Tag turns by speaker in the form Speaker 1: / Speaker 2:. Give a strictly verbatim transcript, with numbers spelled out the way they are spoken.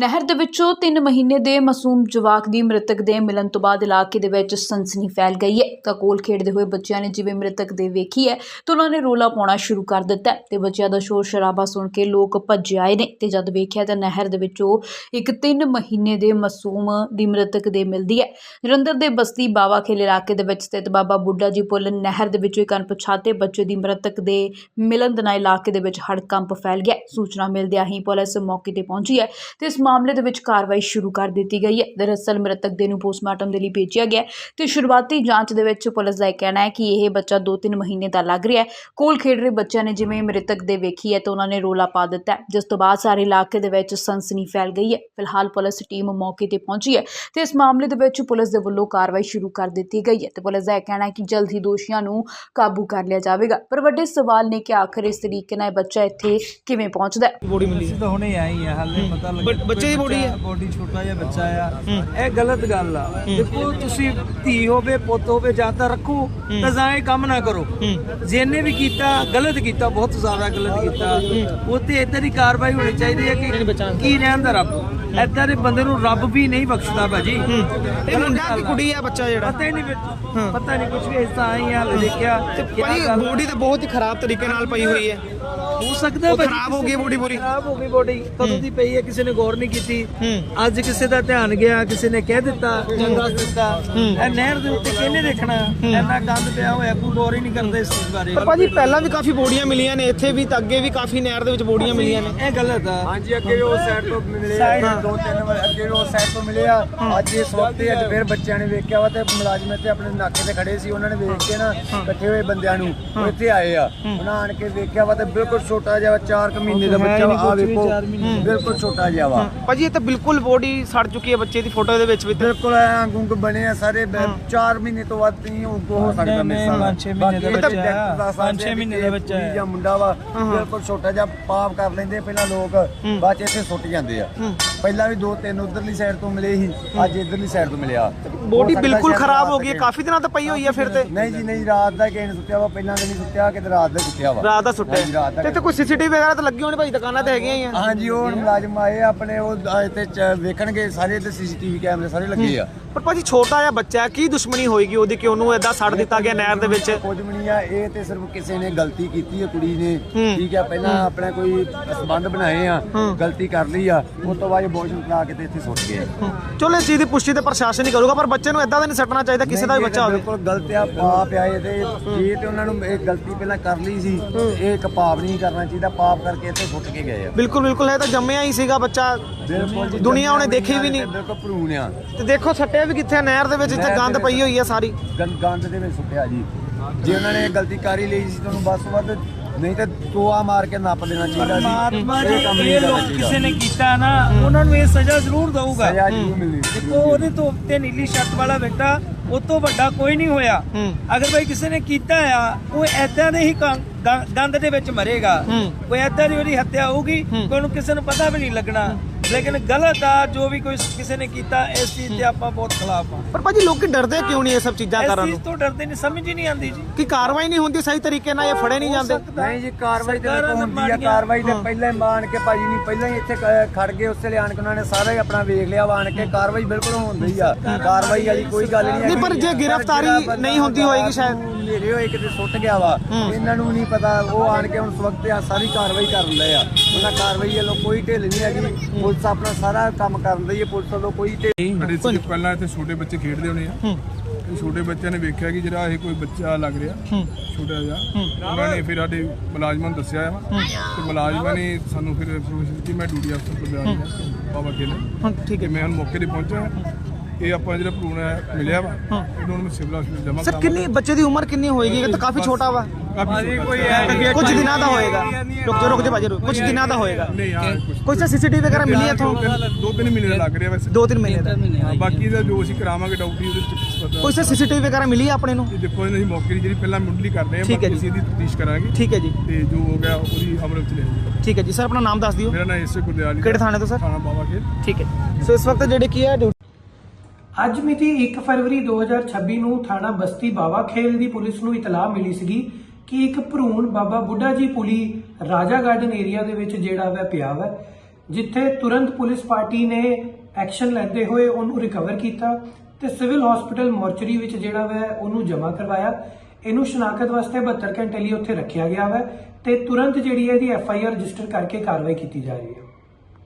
Speaker 1: ਨਹਿਰ ਦੇ ਵਿੱਚੋਂ ਤਿੰਨ ਮਹੀਨੇ ਦੇ ਮਾਸੂਮ ਜਵਾਕ ਦੀ ਮ੍ਰਿਤਕ ਦੇ ਮਿਲਣ ਤੋਂ ਬਾਅਦ ਇਲਾਕੇ ਦੇ ਵਿੱਚ ਸਨਸਨੀ ਫੈਲ ਗਈ ਹੈ। ਤਾਂ ਕੋਲ ਖੇਡਦੇ ਹੋਏ ਬੱਚਿਆਂ ਨੇ ਜਿਵੇਂ ਮ੍ਰਿਤਕ ਦੇ ਵੇਖੀ ਹੈ ਤਾਂ ਉਹਨਾਂ ਨੇ ਰੋਲਾ ਪਾਉਣਾ ਸ਼ੁਰੂ ਕਰ ਦਿੱਤਾ ਤੇ ਬੱਚਿਆਂ ਦਾ ਸ਼ੋਰ ਸ਼ਰਾਬਾ ਸੁਣ ਕੇ ਲੋਕ ਭੱਜ ਆਏ ਨੇ ਤੇ ਜਦ ਵੇਖਿਆ ਤਾਂ ਨਹਿਰ ਦੇ ਵਿੱਚੋਂ ਇੱਕ ਤਿੰਨ ਮਹੀਨੇ ਦੇ ਮਾਸੂਮ ਦੀ ਮ੍ਰਿਤਕ ਦੇ ਮਿਲਦੀ ਹੈ। ਜਲੰਧਰ ਦੇ ਬਸਤੀ ਬਾਵਾ ਖੇਲ ਇਲਾਕੇ ਦੇ ਵਿੱਚ ਸਥਿਤ ਬਾਬਾ ਬੁੱਢਾ ਜੀ ਪੁੱਲ ਨਹਿਰ ਦੇ ਵਿੱਚੋਂ ਇੱਕ ਅਣਪਛਾਤੇ ਬੱਚੇ ਦੀ ਮ੍ਰਿਤਕ ਦੇ ਮਿਲਣ ਦੇ ਨਾਲ ਇਲਾਕੇ ਦੇ ਵਿੱਚ ਹੜਕੰਪ ਫੈਲ ਗਿਆ। ਸੂਚਨਾ ਮਿਲਦਿਆਂ ਹੀ ਪੁਲਿਸ ਮੌਕੇ ਤੇ ਪਹੁੰਚੀ ਹੈ ਤੇ ਇਸ ਮਾਮਲੇ ਦੇ ਵਿੱਚ ਕਾਰਵਾਈ ਸ਼ੁਰੂ ਕਰ ਦਿੱਤੀ ਗਈ ਹੈ। ਦਰਅਸਲ ਮ੍ਰਿਤਕ ਦੇ ਨੂੰ ਪੋਸਟਮਾਰਟਮ ਦੇ ਲਈ ਭੇਜਿਆ ਗਿਆ ਤੇ ਸ਼ੁਰੂਆਤੀ ਜਾਂਚ ਦੇ ਵਿੱਚ ਪੁਲਿਸ ਦਾ ਇਹ ਕਹਿਣਾ ਹੈ ਕਿ ਇਹ ਬੱਚਾ ਦੋ ਤਿੰਨ ਮਹੀਨੇ ਦਾ ਲੱਗ ਰਿਹਾ ਹੈ। ਕੋਲ ਖੇਡ ਰਹੇ ਬੱਚਿਆਂ ਨੇ ਜਿਵੇਂ ਮ੍ਰਿਤਕ ਦੇ ਵੇਖੀ ਹੈ ਤਾਂ ਉਹਨਾਂ ਨੇ ਰੋਲਾ ਪਾ ਦਿੱਤਾ, ਜਿਸ ਤੋਂ ਬਾਅਦ ਸਾਰੇ ਇਲਾਕੇ ਦੇ ਵਿੱਚ ਸਨਸਨੀ ਫੈਲ ਗਈ ਹੈ। ਫਿਲਹਾਲ ਪੁਲਿਸ ਟੀਮ ਮੌਕੇ ਤੇ ਪਹੁੰਚੀ ਹੈ ਤੇ ਇਸ ਮਾਮਲੇ ਦੇ ਵਿੱਚ ਪੁਲਿਸ ਦੇ ਵੱਲੋਂ ਕਾਰਵਾਈ ਸ਼ੁਰੂ ਕਰ ਦਿੱਤੀ ਗਈ ਹੈ ਤੇ ਪੁਲਿਸ ਦਾ ਇਹ ਕਹਿਣਾ ਹੈ ਕਿ ਜਲਦ ਹੀ ਦੋਸ਼ੀਆਂ ਨੂੰ ਕਾਬੂ ਕਰ ਲਿਆ ਜਾਵੇਗਾ। ਪਰ ਵੱਡੇ ਸਵਾਲ ਨੇ ਕਿ ਆਖਰ ਇਸ ਤਰੀਕੇ ਨਾਲ ਬੱਚਾ ਇੱਥੇ ਕਿਵੇਂ ਪਹੁੰਚਦਾ ਹੈ।
Speaker 2: ਬੋਡੀ ਮਿਲੀ ਤਾਂ ਹੁਣੇ ਆਈ ਹੈ, ਹਾਲੇ ਪਤਾ ਲੱਗਾ
Speaker 3: ਬੱਚੇ ਦੀ ਬੋਡੀ ਹੈ,
Speaker 2: ਬੋਡੀ ਛੋਟਾ ਜਿਹਾ ਬੱਚਾ ਆ। ਇਹ ਗਲਤ ਗੱਲ ਆ। ਦੇਖੋ ਤੁਸੀਂ ਧੀ ਹੋਵੇ ਪੁੱਤ ਹੋਵੇ ਜਾਂ ਤਾਂ ਰੱਖੋ ਤਾਂ ਜਾਂ ਇਹ ਕੰਮ ਨਾ ਕਰੋ। ਜਿਹਨੇ ਵੀ ਕੀਤਾ ਗਲਤ ਕੀਤਾ, ਬਹੁਤ ਜ਼ਿਆਦਾ ਗਲਤ ਕੀਤਾ। ਉਹ ਤੇ ਏਦਾਂ ਦੀ ਕਾਰਵਾਈ ਹੋਣੀ ਚਾਹੀਦੀ ਹੈ ਕਿ ਕੀ ਰਹਿਣ ਦਾ ਰੱਬ ਏਦਾਂ ਦੇ ਬੰਦੇ ਨੂੰ ਰੱਬ ਵੀ ਨਹੀਂ ਬਖਸ਼ਦਾ ਭਾਜੀ।
Speaker 3: ਇਹ ਮੁੰਡਾ ਕਿ ਕੁੜੀ ਆ ਬੱਚਾ ਜਿਹੜਾ
Speaker 2: ਪਤਾ ਹੀ ਨਹੀਂ, ਪਤਾ ਨਹੀਂ ਕੁਝ ਵੀ। ਇਸ ਤਾਂ ਆਈ ਆ ਦੇਖਿਆ
Speaker 3: ਭਾਈ ਬੋਡੀ ਤਾਂ ਬਹੁਤ ਹੀ ਖਰਾਬ ਤਰੀਕੇ ਨਾਲ ਪਈ ਹੋਈ ਹੈ।
Speaker 2: ਹੋ ਸਕਦਾ ਭਾਜੀ
Speaker 3: ਖਰਾਬ ਹੋ ਗਈ ਬੋਡੀ ਪੂਰੀ,
Speaker 2: ਖਰਾਬ ਹੋ ਗਈ ਬੋਡੀ। ਕਦੋਂ ਦੀ ਪਈ ਹੈ, ਕਿਸੇ ਨੇ ਗੌਰ ਨਹੀਂ ਕੀਤੀ। ਅੱਜ ਕਿਸੇ ਦਾ ਧਿਆਨ ਗਿਆ, ਕਿਸੇ ਨੇ ਕਹਿ ਦਿੱਤਾ ਜਾਂ ਦੱਸ ਦਿੱਤਾ। ਇਹ ਨਹਿਰ ਦੇ ਉੱਤੇ ਕਿਹਨੇ ਦੇਖਣਾ? ਇੰਨਾ ਗੰਦ ਪਿਆ ਹੋਇਆ, ਕੋਈ ਗੌਰ ਹੀ ਨਹੀਂ ਕਰਦਾ ਇਸ ਚੀਜ਼ ਬਾਰੇ।
Speaker 3: ਪਰ ਭਾਜੀ ਪਹਿਲਾਂ ਵੀ ਕਾਫੀ ਬੋਡੀਆਂ ਮਿਲੀਆਂ ਨੇ ਇੱਥੇ ਵੀ, ਤਾਂ ਅੱਗੇ ਵੀ ਕਾਫੀ ਨਹਿਰ ਦੇ ਵਿੱਚ ਬੋਡੀਆਂ ਮਿਲੀਆਂ ਨੇ।
Speaker 2: ਇਹ ਗਲਤ ਆ।
Speaker 4: ਹਾਂਜੀ, ਅੱਗੇ ਉਹ ਸਾਈਡ ਤੋਂ ਮਿਲੇ ਆ, ਦੋ ਤਿੰਨ ਵਾਰ ਅੱਗੇ ਉਹ ਸਾਈਡ ਤੋਂ ਮਿਲੇ ਆ। ਅੱਜ ਇਸ ਵਕਤ ਅੱਜ ਫਿਰ ਬੱਚਿਆਂ ਨੇ ਵੇਖਿਆ ਵਾ ਤੇ ਮੁਲਾਜ਼ਮ ਇੱਥੇ ਆਪਣੇ ਨਾਕੇ ਤੇ ਖੜੇ ਸੀ। ਉਹਨਾਂ ਨੇ ਵੇਖ ਕੇ ਨਾ ਇਕੱਠੇ ਹੋਏ ਬੰਦਿਆਂ ਨੂੰ ਉਹ ਇੱਥੇ ਆਏ ਆ। ਉਹਨਾਂ ਆਣ ਕੇ ਵੇਖਿਆ ਵਾ ਤੇ ਬਿਲਕੁਲ ਛੋਟਾ ਜਿਹਾ ਚਾਰ ਕੁ ਮਹੀਨੇ ਦਾ ਬੱਚਾ ਵਾ। ਆ ਵੇਖੋ ਬਿਲਕੁਲ ਛੋਟਾ ਜਿਹਾ ਵਾ
Speaker 3: ਭਾਜੀ। ਇਹ ਤਾਂ ਬਿਲਕੁਲ ਬੋਡੀ ਸੜ ਚੁੱਕੀ ਹੈ ਬੱਚੇ ਦੀ, ਫੋਟੋ ਦੇ ਵਿੱਚ ਵੀ
Speaker 4: ਬਿਲਕੁਲ ਐ ਗੁੰਗ ਬਣੇ ਆ ਸਾਰੇ। ਚਾਰ ਮਹੀਨੇ ਤੋਂ ਵੱਧ ਨਹੀਂ ਹੋ ਸਕਦਾ ਮੇਰੇ ਸਾਹ।
Speaker 2: ਪੰਜ ਛੇ ਮਹੀਨੇ ਦਾ ਬੱਚਾ, ਪੰਜ ਛੇ ਮਹੀਨੇ ਦਾ ਬੱਚਾ ਹੈ
Speaker 4: ਜਾਂ ਮੁੰਡਾ ਵਾ। ਬਿਲਕੁਲ ਛੋਟਾ ਜਿਹਾ ਪਾਪ ਕਰ ਲੈਂਦੇ ਪਹਿਲਾਂ ਲੋਕ, ਬਾਅਦ ਚ ਇੱਥੇ ਸੁੱਟ ਜਾਂਦੇ ਆ। ਪਹਿਲਾਂ ਵੀ ਦੋ ਤਿੰਨ ਉਧਰਲੀ ਸਾਈਡ ਤੋਂ ਮਿਲੇ ਸੀ, ਅੱਜ ਇਧਰਲੀ ਸਾਈਡ ਤੋਂ ਮਿਲਿਆ।
Speaker 3: ਬੋਡੀ ਬਿਲਕੁਲ ਖਰਾਬ ਹੋ ਗਈ ਹੈ, ਕਾਫੀ ਦਿਨਾਂ ਤੋਂ ਪਈ ਹੋਈ ਹੈ ਫਿਰ ਤੇ।
Speaker 4: ਨਹੀਂ ਜੀ ਨਹੀਂ, ਰਾਤ ਦਾ ਕਿਸੇ ਨੇ ਸੁੱਤਿਆ ਵਾ, ਪਹਿਲਾਂ ਤਾਂ ਨਹੀਂ ਸੁੱਤਿਆ, ਕਿਤੇ ਰਾਤ ਦਾ ਸੁੱਤਿਆ ਵਾ।
Speaker 3: ਰਾਤ ਦਾ ਸੁੱਟਿਆ ਤੇ ਇੱਥੇ ਕੋਈ ਸੀਸੀਟੀਵੀ ਵਗੈਰਾ ਤਾਂ ਲੱਗੀ ਹੋਣੀ ਭਾਈ, ਦੁਕਾਨਾਂ ਤੇ ਹੈਗੀਆਂ ਹੀ ਆ।
Speaker 4: ਹਾਂਜੀ, ਉਹ ਮੁਲਾਜ਼ਮ ਆਏ ਆਪਣੇ, ਉਹ ਇੱਥੇ ਵੇਖਣਗੇ ਸਾਰੇ ਤੇ ਸੀਸੀਟੀਵੀ ਕੈਮਰੇ ਸਾਰੇ ਲੱਗੇ ਆ।
Speaker 3: ਪਰ ਭਾਜੀ ਛੋਟਾ ਜਿਹਾ ਬੱਚਾ, ਕੀ ਦੁਸ਼ਮਣੀ ਹੋਏਗੀ ਉਹਦੀ ਕਿ ਉਹਨੂੰ ਏਦਾਂ ਸੜ ਦਿੱਤਾ ਗਿਆ ਨਹਿਰ ਦੇ ਵਿੱਚ?
Speaker 4: ਕੁਝ ਵੀ ਨਹੀਂ ਆ, ਇਹ ਤੇ ਸਿਰਫ ਕਿਸੇ ਨੇ ਗਲਤੀ ਕੀਤੀ ਹੈ, ਕੁੜੀ ਨੇ। ਠੀਕ ਆ, ਪਹਿਲਾਂ ਆਪਣਾ ਕੋਈ ਸੰਬੰਧ ਬਣਾਏ ਆ, ਗਲਤੀ ਕਰ ਲਈ ਆ, ਉਸ ਤੋਂ ਬਾਅਦ ਬੋਝ ਲਾ ਕੇ ਤੇ ਇੱਥੇ ਸੁੱਟ ਗਏ।
Speaker 3: ਚਲੋ ਇਸ ਚੀਜ਼ ਦੀ ਪੁਸ਼ਟੀ ਤੇ ਪ੍ਰਸ਼ਾਸਨ ਹੀ ਕਰੂਗਾ, ਪਰ ਬੱਚੇ ਨੂੰ ਏਦਾਂ ਤਾਂ ਨਹੀਂ ਸੱਟਣਾ ਚਾਹੀਦਾ ਕਿਸੇ ਦਾ ਵੀ ਬੱਚਾ ਹੋਵੇ।
Speaker 4: ਬਿਲਕੁਲ ਗਲਤ ਆ, ਪਾਪ ਆ ਇਹ ਤੇ। ਜੇ ਤੇ ਉਹਨਾਂ ਨੂੰ ਇਹ ਗਲਤੀ ਪਹਿਲਾਂ ਕਰ ਲਈ ਸੀ, ਇਹ ਇੱਕ ਪਾਪ ਨਹੀਂ ਕਰਨਾ ਚਾਹੀਦਾ। ਪਾਪ ਕਰਕੇ ਇੱਥੇ ਸੁੱਟ ਕੇ ਗਏ ਆ।
Speaker 3: ਬਿਲਕੁਲ ਬਿਲਕੁਲ, ਇਹ ਤਾਂ ਜੰਮਿਆ ਹੀ ਸੀਗਾ ਬੱਚਾ,
Speaker 4: ਬਿਲਕੁਲ
Speaker 3: ਦੁਨੀਆ ਉਹਨੇ ਦੇਖੀ ਵੀ ਨਹੀਂ।
Speaker 4: ਬਿਲਕੁਲ ਭਰੂਣ ਆ।
Speaker 3: ਤੇ ਦੇਖੋ ਸੱਟਿਆ ਵੀ ਕਿੱਥੇ, ਨਹਿਰ ਦੇ ਵਿੱਚ ਜਿੱਥੇ ਗੰਦ ਪਈ ਹੋਈ ਹੈ ਸਾਰੀ।
Speaker 4: ਗੰਦ ਦੇ ਵਿੱਚ ਸੁੱਟਿਆ ਜੀ। ਜੇ ਉਹਨਾਂ ਨੇ ਗਲਤੀ ਕਰ ਹੀ ਲਈ ਸੀ ਤੁਹਾਨੂੰ ਬਸ ਵੱਧ, ਨਹੀਂ ਤਾਂ ਟੋਆ ਮਾਰ ਕੇ ਨੱਪ ਦੇਣਾ ਚਾਹੀਦਾ ਸੀ।
Speaker 2: ਪਰਮਾਤਮਾ ਜੀ ਇਹ ਲੋਕ ਕਿਸੇ ਨੇ ਕੀਤਾ ਨਾ, ਉਹਨਾਂ ਨੂੰ ਇਹ ਸਜ਼ਾ ਜ਼ਰੂਰ ਦਊਗਾ।
Speaker 4: ਸਜ਼ਾ ਜ਼ਰੂਰ ਮਿਲਣੀ।
Speaker 2: ਦੇਖੋ ਉਹਦੇ ਤੋਂ ਉੱਤੇ ਨੀਲੀ ਸ਼ਰਟ ਵਾਲਾ ਬੇਟਾ ਉਹ ਤੋਂ ਵੱਡਾ ਕੋਈ ਨਹੀਂ ਹੋਇਆ। ਅਗਰ ਭਾਈ ਕਿਸੇ ਨੇ ਕੀਤਾ ਆ, ਉਹ ਐਦਾਂ ਦੇ ਹੀ ਗੰਦ ਦੇ ਵਿੱਚ ਮਰੇਗਾ। ਕੋਈ ਐਦਾਂ ਦੀ ਉਹਦੀ ਹੱਤਿਆ ਹੋਊਗੀ, ਉਹਨੂੰ ਕਿਸੇ ਨੂੰ ਪਤਾ ਵੀ ਨਹੀਂ ਲੱਗਣਾ। ਲੇਕਿਨ ਗਲਤ ਆ ਜੋ ਵੀ ਕੋਈ ਕਿਸੇ ਨੇ ਕੀਤਾ, ਇਸ ਚੀਜ਼ ਤੇ ਆਪਾਂ ਬਹੁਤ ਖਿਲਾਫ ਆ।
Speaker 3: ਪਰ ਭਾਜੀ ਲੋਕੀ ਡਰਦੇ ਕਿਉਂ ਨਹੀਂ ਇਹ ਸਭ ਚੀਜ਼ਾਂ ਕਰਨ
Speaker 2: ਨੂੰ?
Speaker 3: ਨੂੰ
Speaker 2: ਇਸ ਚੀਜ਼ ਤੋਂ ਡਰਦੇ ਨਹੀਂ, ਸਮਝ ਹੀ ਨਹੀਂ ਆਉਂਦੀ ਜੀ
Speaker 3: ਕਿ ਕਾਰਵਾਈ ਨਹੀਂ ਹੁੰਦੀ ਸਹੀ ਤਰੀਕੇ ਨਾਲ, ਇਹ ਫੜੇ ਨਹੀਂ ਜਾਂਦੇ।
Speaker 4: ਨਹੀਂ ਜੀ, ਕਾਰਵਾਈ ਤੇ ਹੁੰਦੀ ਆ। ਕਾਰਵਾਈ ਤੇ ਪਹਿਲਾਂ ਹੀ ਮਾਨ ਕੇ ਭਾਜੀ ਨਹੀਂ, ਪਹਿਲਾਂ ਹੀ ਇੱਥੇ ਖੜ ਗਏ, ਉਸੇ ਲਈ ਆਣ ਕੇ ਉਹਨਾਂ ਨੇ ਸਾਰਾ ਹੀ ਆਪਣਾ ਵੇਖ ਲਿਆ ਵਾ। ਆਣ ਕੇ ਕਾਰਵਾਈ ਬਿਲਕੁਲ ਹੁੰਦੀ ਆ, ਕਾਰਵਾਈ ਵਾਲੀ ਕੋਈ ਗੱਲ ਨਹੀਂ।
Speaker 3: ਨਹੀਂ ਪਰ ਜੇ ਗ੍ਰਿਫਤਾਰੀ ਨਹੀਂ ਹੁੰਦੀ ਹੋਏਗੀ ਸ਼ਾਇਦ।
Speaker 4: ਮੇਰੇ ਹੋਏ ਕਿਤੇ ਸੁੱਟ ਗਿਆ ਵਾ, ਇਹਨਾਂ ਨੂੰ ਨਹੀਂ ਪਤਾ। ਉਹ ਆਣ ਕੇ ਹੁਣ ਇਸ ਵਕਤ ਆ ਸਾਰੀ ਕਾਰਵਾਈ ਕਰ ਰਹੇ ਆ। ਉਹਨਾਂ ਕਾਰਵਾਈ ਵੱਲੋਂ ਕੋਈ ਢਿੱਲ ਨਹੀਂ ਹੈਗੀ। ਪੁਲਿਸ ਆਪਣਾ ਸਾਰਾ ਕੰਮ ਕਰਨ ਦੀ ਹੈ, ਪੁਲਿਸ ਵੱਲੋਂ ਕੋਈ ਢਿੱਲ।
Speaker 5: ਪਹਿਲਾਂ ਇੱਥੇ ਛੋਟੇ ਬੱਚੇ ਖੇਡਦੇ ਹੋਣੇ ਆ। ਛੋਟੇ ਬੱਚਿਆਂ ਨੇ ਵੇਖਿਆ ਕਿ ਜਿਹੜਾ ਇਹ ਕੋਈ ਬੱਚਾ ਲੱਗ ਰਿਹਾ ਛੋਟਾ ਜਿਹਾ, ਉਹਨਾਂ ਨੇ ਫਿਰ ਸਾਡੇ ਮੁਲਾਜ਼ਮਾਂ ਨੂੰ ਦੱਸਿਆ ਵਾ ਤੇ ਮੁਲਾਜ਼ਮਾਂ ਨੇ ਸਾਨੂੰ ਫਿਰ ਕਿ ਮੈਂ ਡਿਊਟੀ ਅਫਸਰ ਕੋਲ ਜਾ ਰਿਹਾ ਬਾਬਾ ਖੇਲ। ਠੀਕ ਹੈ, ਮੈਂ ਹੁਣ ਮੌਕੇ ਤੇ ਪਹੁੰਚਿਆ। ਇਹ ਆਪਾਂ ਜਿਹੜਾ ਭਰੂਣ ਹੈ ਮਿਲਿਆ ਵਾ, ਇਹਨਾਂ ਨੂੰ ਸਿਵਲ ਹਸਪਤਾਲ ਜਮ੍ਹਾਂ
Speaker 3: ਸਰ ਕਿੰਨੀ ਬੱਚੇ ਦੀ ਉਮਰ ਕਿੰਨੀ ਹੋਏਗੀ? ਇਹ ਤਾਂ ਕਾਫੀ ਛੋਟਾ ਵਾ। ਕੁਝ ਦਿਨਾਂ ਦਾ ਹੋਏਗਾ। ਰੁਕ ਜਾ ਰੁਕ ਜਾ ਭਾਜੀ, ਕੁਝ ਦਿਨਾਂ ਦਾ ਹੋਏਗਾ। ਕੋਈ ਸਰ ਸੀਸੀਟੀਵੀ ਵਗੈਰਾ ਮਿਲੀ ਇੱਥੋਂ?
Speaker 5: ਦੋ ਤਿੰਨ ਮਹੀਨੇ ਲੱਗ ਰਿਹਾ ਵੈਸੇ।
Speaker 3: ਦੋ ਤਿੰਨ ਮਹੀਨੇ ਦਾ।
Speaker 5: ਬਾਕੀ ਦਾ ਜੋ ਅਸੀਂ ਕਰਾਵਾਂਗੇ ਡਾਊਟੀ ਉਹਦੇ ਵਿੱਚ ਪਤਾ।
Speaker 3: ਕੋਈ ਸਰ ਸੀਸੀਟੀਵੀ ਵਗੈਰਾ ਮਿਲੀ ਆਪਣੇ ਨੂੰ?
Speaker 5: ਦੇਖੋ ਅਸੀਂ ਮੌਕੇ ਦੀ ਜਿਹੜੀ ਪਹਿਲਾਂ ਮੁੱਢਲੀ ਕਰਦੇ ਆ, ਬਾਕੀ ਅਸੀਂ ਇਹਦੀ ਤਫਤੀਸ਼ ਕਰਾਂਗੇ।
Speaker 3: ਠੀਕ ਹੈ ਜੀ।
Speaker 5: ਤੇ ਜੋ ਹੋ ਗਿਆ ਉਹਦੀ ਅਮਲ ਵਿੱਚ ਲਿਆਂਗੇ।
Speaker 3: ਠੀਕ ਹੈ ਜੀ। ਸਰ ਆਪਣਾ ਨਾਮ ਦੱਸ ਦਿਓ।
Speaker 5: ਮੇਰਾ ਨਾਮ ਇਸੇ ਗੁਰਦਿਆਲ।
Speaker 3: ਕਿਹੜੇ ਥਾਣੇ ਤੋਂ ਸਰ?
Speaker 5: ਥਾਣਾ ਬਾਵਾ ਖੇਲ।
Speaker 3: ਠੀਕ ਹੈ। ਸੋ ਇਸ ਵਕਤ ਜਿਹੜੇ ਕੀ ਹੈ
Speaker 6: ਅੱਜ ਮਿਤੀ ਇੱਕ ਫਰਵਰੀ ਦੋ ਹਜ਼ਾਰ ਛੱਬੀ ਨੂੰ ਥਾਣਾ ਬਸਤੀ ਬਾਵਾ ਖੇਲ ਦੀ ਪੁਲਿਸ ਨੂੰ ਇਤਲਾਹ ਮਿਲੀ ਸੀਗੀ ਕਿ ਇੱਕ ਭਰੂਣ ਬਾਬਾ ਬੁੱਢਾ ਜੀ ਪੁਲੀ ਰਾਜਾ ਗਾਰਡਨ ਏਰੀਆ ਦੇ ਵਿੱਚ ਜਿਹੜਾ ਵਾ ਪਿਆ ਵਾ ਜਿੱਥੇ ਤੁਰੰਤ ਪੁਲਿਸ ਪਾਰਟੀ ਨੇ ਐਕਸ਼ਨ ਲੈਂਦੇ ਹੋਏ ਉਹਨੂੰ ਰਿਕਵਰ ਕੀਤਾ ਤੇ ਸਿਵਲ ਹਸਪੀਟਲ ਮੋਰਚਰੀ ਵਿੱਚ ਜਿਹੜਾ ਵਾ ਉਹਨੂੰ ਜਮ੍ਹਾਂ ਕਰਵਾਇਆ। ਇਹਨੂੰ ਸ਼ਨਾਖਤ ਵਾਸਤੇ ਬਹੱਤਰ ਘੰਟੇ ਲਈ ਉੱਥੇ ਰੱਖਿਆ ਗਿਆ ਵਾ ਤੇ ਤੁਰੰਤ ਜਿਹੜੀ ਹੈ ਇਹਦੀ ਐਫ ਆਈ ਆਰ ਰਜਿਸਟਰ ਕਰਕੇ ਕਾਰਵਾਈ ਕੀਤੀ ਜਾ ਰਹੀ ਹੈ।